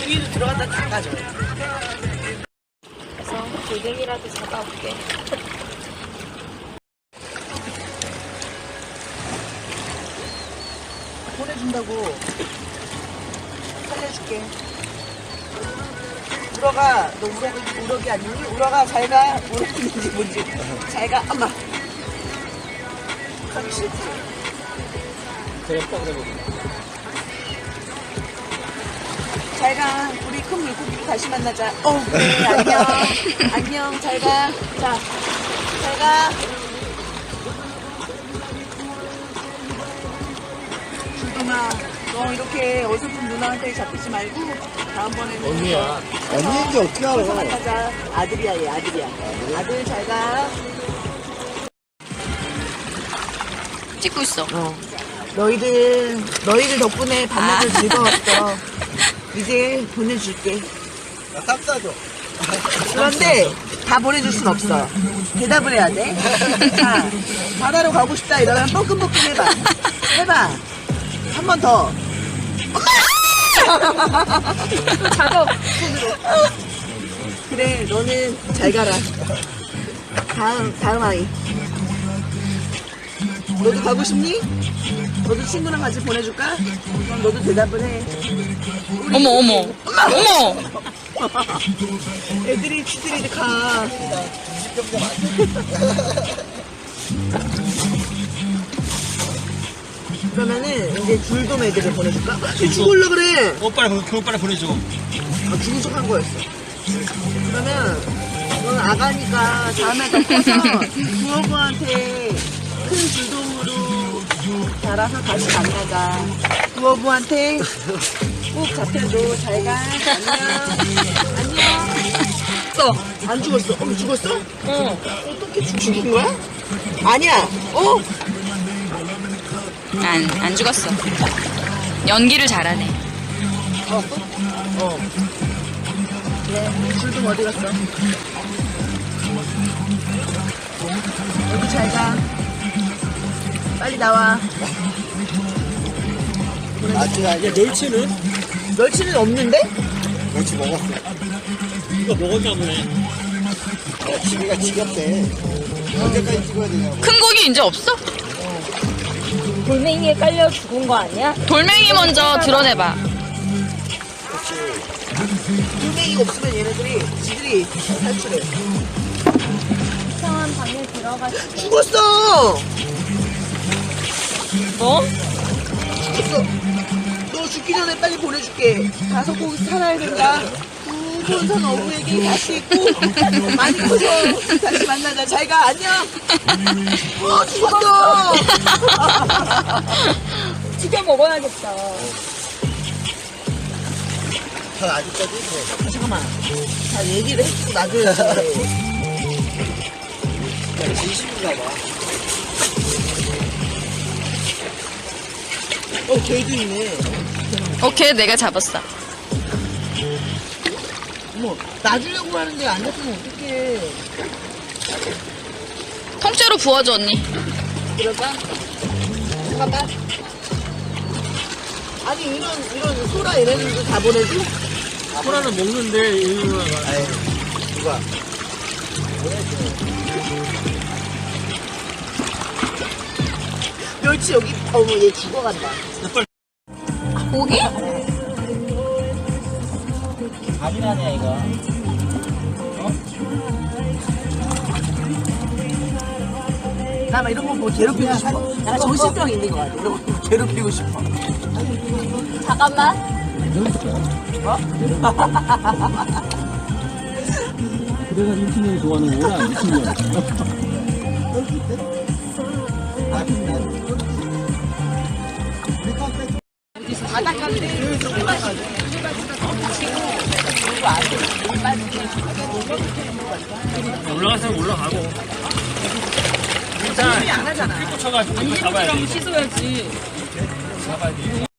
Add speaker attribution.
Speaker 1: 주위로 들어갔다 나가죠.
Speaker 2: 그래서 골뱅이라도 잡아올게.
Speaker 1: 보내준다고. 살려줄게. 우러가, 너 우럭이 아니니? 우러가 잘 가. 우럭인지 뭔지. 잘 가. 엄마. 가기 싫지? 잘 가. 우리 큰 물고기로 다시 만나자. 네, 안녕. 안녕. 잘 가. 자, 잘 가. 주동아, 너 이렇게 어설픈 누나한테 잡히지 말고 다음번에는
Speaker 3: 언니야. 언니인지 어떻게 알아?
Speaker 1: 가서 만나자. 아들이야, 얘 아들이야. 아들 잘 가.
Speaker 2: 찍고 있어.
Speaker 1: 너희들 덕분에 밤낮을 즐거웠어. 이제 보내줄게.
Speaker 3: 싹 싸줘.
Speaker 1: 그런데 다 보내줄 순 없어. 대답을 해야 돼. 자, 바다로 가고 싶다 이러면 뻐끔뻐끔 해봐. 해봐. 한 번 더.
Speaker 2: 작업.
Speaker 1: 그래, 너는 잘 가라. 다음 아이. 너도 가고 싶니? 너도 친구랑 같이 보내줄까? 그럼 너도 대답을 해.
Speaker 2: 어머, 어머. 어머!
Speaker 1: 애들이 치들이 가. 그러면은 이제 줄돔 애들을 보내줄까? 걔 죽을라 그래.
Speaker 3: 빨리 보내줘.
Speaker 1: 죽은 척 한 거였어. 그러면 넌 아가니까 다음에 더 커서 부어부한테 큰 줄돔으로 자라서 다시 만나자. 부어부한테 꼭 잡혀줘. 잘 가. 안녕. 안녕. 안 죽었어. 죽었어? 어떻게 죽인 거야? 아니야.
Speaker 2: 안 죽었어. 연기를 잘하네.
Speaker 1: 그래, 줄돔 어디 갔어? 여기 잘 가. 빨리 나와.
Speaker 3: 아직 멸치는?
Speaker 1: 멸치는 없는데?
Speaker 3: 멸치 먹었어. 이거 먹었나 보네. 지기가 지겹대. 언제까지 찍어야 되냐고.
Speaker 2: 큰 고기 이제 없어?
Speaker 4: 돌멩이에 깔려 죽은 거 아니야?
Speaker 2: 돌멩이 먼저 드러내봐.
Speaker 1: 돌멩이가 없으면 얘네들이 지들이 탈출해.
Speaker 4: 이상한 방에 들어가서
Speaker 1: 죽었어!
Speaker 2: 뭐?
Speaker 1: 죽었어. 너 죽기 전에 빨리 보내줄게. 가서 꼭 살아야 된다. 두번선 어부에게 다시 있고 많이 커서 다시 만나자. 잘 가. 안녕. 죽었어.
Speaker 4: 튀겨 먹어야겠다.
Speaker 3: 전 아직까지 뭐.
Speaker 1: 잠깐만. 자, 얘기를 해주고 놔줘야지.
Speaker 3: 진심인가 봐.
Speaker 1: 걔도 있네.
Speaker 2: 오케이, 내가 잡았어.
Speaker 1: 어머, 놔주려고 하는데 안 놔주면 어떡해.
Speaker 2: 통째로 부어줘, 언니.
Speaker 1: 그럴까? 잠깐만. 아니, 이런 소라 얘네들도 다 보내줘?
Speaker 3: 소라는 먹는데, 이거. 아이, 누가?
Speaker 1: 멸치 여기, 어머, 얘 죽어간다.
Speaker 2: 고기?
Speaker 3: 밥이라냐, 이거.
Speaker 1: 나 막 이런 거 보고 괴롭히고 싶어. 약간 정신병 있는 거 같아. 이런 거 보고 괴롭히고 싶어.
Speaker 4: 잠깐만.
Speaker 5: 그래서 미친년이 좋아하는 거구나, 미친년.
Speaker 1: 바닷가인데 조금만 가자.
Speaker 5: 올라가서 올라가고.
Speaker 1: 일단 안 하잖아.
Speaker 5: 꽂혀가지고 이거 잡아야 돼.
Speaker 2: 씻어야지.
Speaker 5: 잡아야 돼.